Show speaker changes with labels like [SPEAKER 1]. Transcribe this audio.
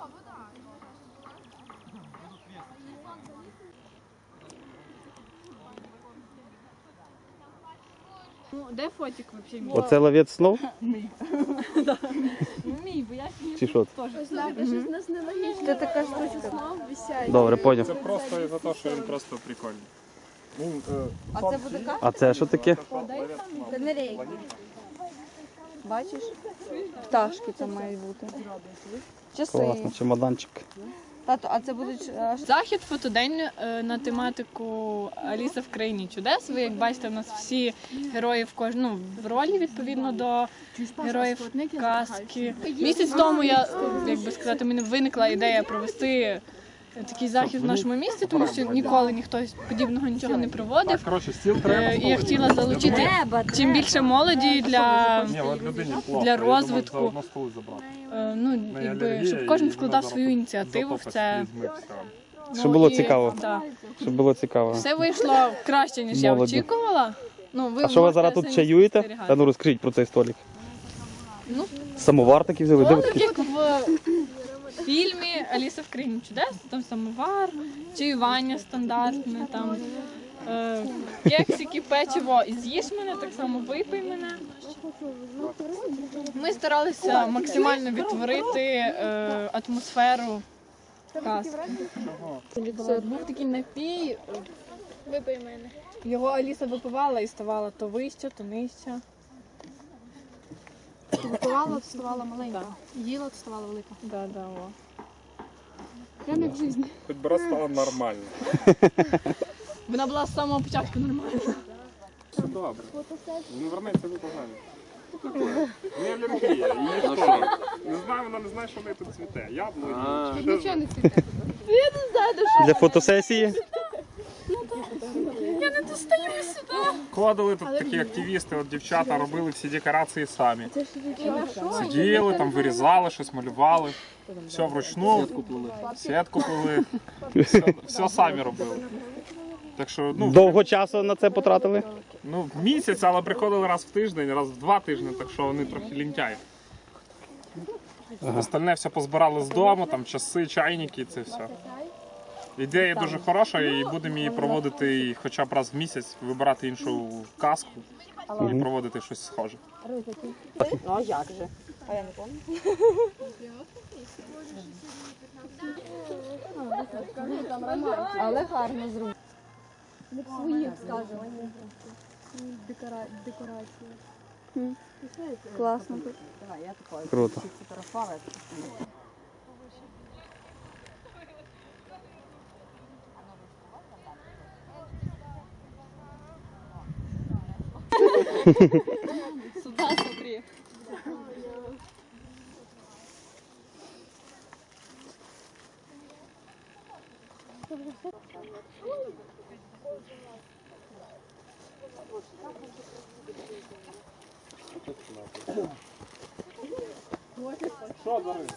[SPEAKER 1] Ну, де фотик взагалі?
[SPEAKER 2] Оце ловець снов?
[SPEAKER 1] Мій, бо я
[SPEAKER 2] Чи що?
[SPEAKER 3] Це така штучка.
[SPEAKER 2] Добре, поняв.
[SPEAKER 4] Це просто із-за того, що він просто прикольний.
[SPEAKER 3] А це буде как?
[SPEAKER 2] А це що таке?
[SPEAKER 3] Канарейки. Бачиш? Пташки там мають бути. Часи.
[SPEAKER 2] Класно, чемоданчик.
[SPEAKER 3] Тато, а це будуть...
[SPEAKER 1] Захід фотодень на тематику Аліса в країні чудес. Ви як бачите, у нас всі герої в ролі відповідно до героїв казки. Місяць тому як би сказати, мені виникла ідея провести такий захід в нашому місті, тому що ніколи ніхто подібного нічого не проводив.
[SPEAKER 4] Коротше, стіл треба.
[SPEAKER 1] І я хотіла залучити чим більше молоді для розвитку. Щоб кожен вкладав свою ініціативу в це.
[SPEAKER 2] Щоб було цікаво.
[SPEAKER 1] Так.
[SPEAKER 2] Щоб було цікаво.
[SPEAKER 1] Все вийшло краще, ніж я
[SPEAKER 2] Молоді.
[SPEAKER 1] очікувала.
[SPEAKER 2] А що ви зараз тут чаюєте? А ну розкажіть про цей столик.
[SPEAKER 1] Ну,
[SPEAKER 2] Самовар такий взяли? Де ви
[SPEAKER 1] так
[SPEAKER 2] такі?
[SPEAKER 1] як в фільмі Аліса в країні чудес, там самовар, чаювання стандартне, там кексики, печиво і з'їж мене, так само випий мене. Ми старалися максимально відтворити атмосферу казки. Був такий напій, випий мене. Його Аліса випивала і ставала то вище, то нижче.
[SPEAKER 5] Випивала, то ставала маленька. Їла, то ставала велика.
[SPEAKER 1] Да, о.
[SPEAKER 5] Прямо як в житті.
[SPEAKER 4] Хоч би раз стало нормально.
[SPEAKER 1] Вона була з самого початку нормальна.
[SPEAKER 4] Все добре. Він вернеться до погано. Не алергія, її ніхто. Не знаю, вона не знає, що в неї тут цвіте. Яблуні.
[SPEAKER 5] Нічого не цвіте.
[SPEAKER 2] Для фотосесії?
[SPEAKER 1] Я не достаю сюди.
[SPEAKER 4] Ходили тут такі активісти, от дівчата робили всі декорації самі. Сиділи, там вирізали, щось малювали. Все вручну. Сітку плели. Все самі робили. Так що,
[SPEAKER 2] Довго часу на це потратили?
[SPEAKER 4] місяць, але приходили раз в тиждень, раз в 2 тижні, так що вони трохи лінтяї. Остальне все позбирали з дому, там часи, чайники, це все. Ідея дуже хороша і будемо її проводити і хоча б раз в місяць, вибирати іншу казку і проводити щось схоже.
[SPEAKER 3] Ну а як же? А я не пам'ятаю. Але гарно зроблено.
[SPEAKER 5] Як своїх, скажімо. Декорації.
[SPEAKER 3] Класно.
[SPEAKER 2] Круто.
[SPEAKER 1] Сюда смотри.
[SPEAKER 4] Що, Дарина?